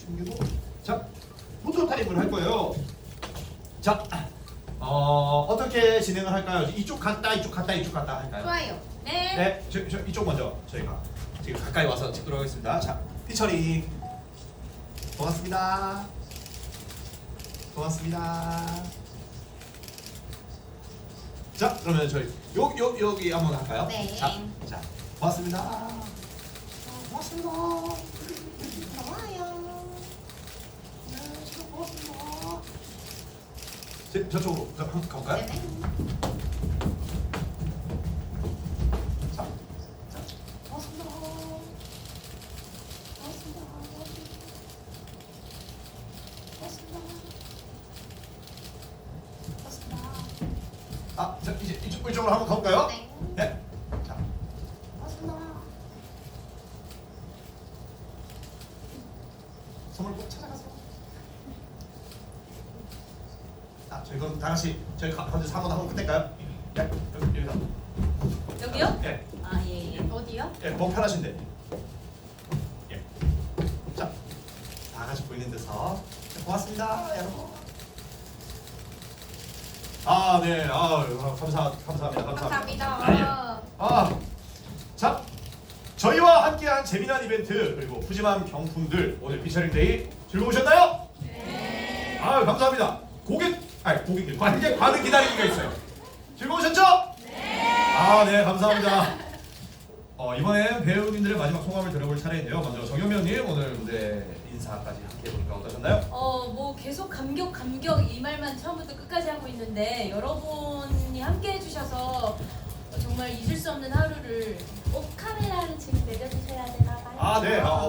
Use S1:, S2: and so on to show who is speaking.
S1: 챙기고. 자, 포토 타임을 할 거예요. 자, 어떻게 진행을 할까요? 이쪽 갔다 이쪽 갔다 이쪽 갔다 할까요?
S2: 좋아요. 네.
S1: 네, 저 이쪽 먼저 저희가 지금 가까이 와서 찍도록 하겠습니다. 자, 피처링. 고맙습니다. 고맙습니다. 자, 그러면 저희 여기 한번 할까요?
S2: 네.
S1: 자, 고맙습니다. 고맙습니다.
S2: 좋아요.
S1: 네, 진짜 고맙습니다. 저쪽으로 한번 가볼까요?
S2: 네네.
S1: 자, 고맙습니다. 고맙습니다. 고맙습니다. 고맙습니다. 아, 자, 이제 이쪽으로 한번 가볼까요?
S2: 네.
S1: 네. 자, 고맙습니다. 선물 꼭 찾아가세요. 아, 저희 그럼 다 같이 저희 먼저 사고 나고 끝낼까요? 네, 여기서.
S3: 여기요?
S1: 네,
S3: 아, 예, 예.
S2: 어디요?
S1: 예, 뭐 편하신데. 예. 자, 다 같이 보이는 데서 고맙습니다, 여러분. 아, 네, 감사합니다.
S2: 감사합니다.
S1: 자, 저희와 함께한 재미난 이벤트 그리고 푸짐한 경품들 오늘 피처링데이 즐거우셨나요? 네. 감사합니다. 관객 반응 기다리기가 있어요. 즐거우셨죠? 네. 네, 감사합니다. 이번엔 배우님들의 마지막 소감을 들어볼 차례인데요. 먼저 정현명님 오늘 무대 인사까지 함께 해보니까 어떠셨나요?
S3: 뭐 계속 감격 이 말만 처음부터 끝까지 하고 있는데 여러분이 함께 해주셔서 정말 잊을 수 없는 하루를 꼭 카메라를 지금 내려주셔야 되나 봐요.
S1: 네.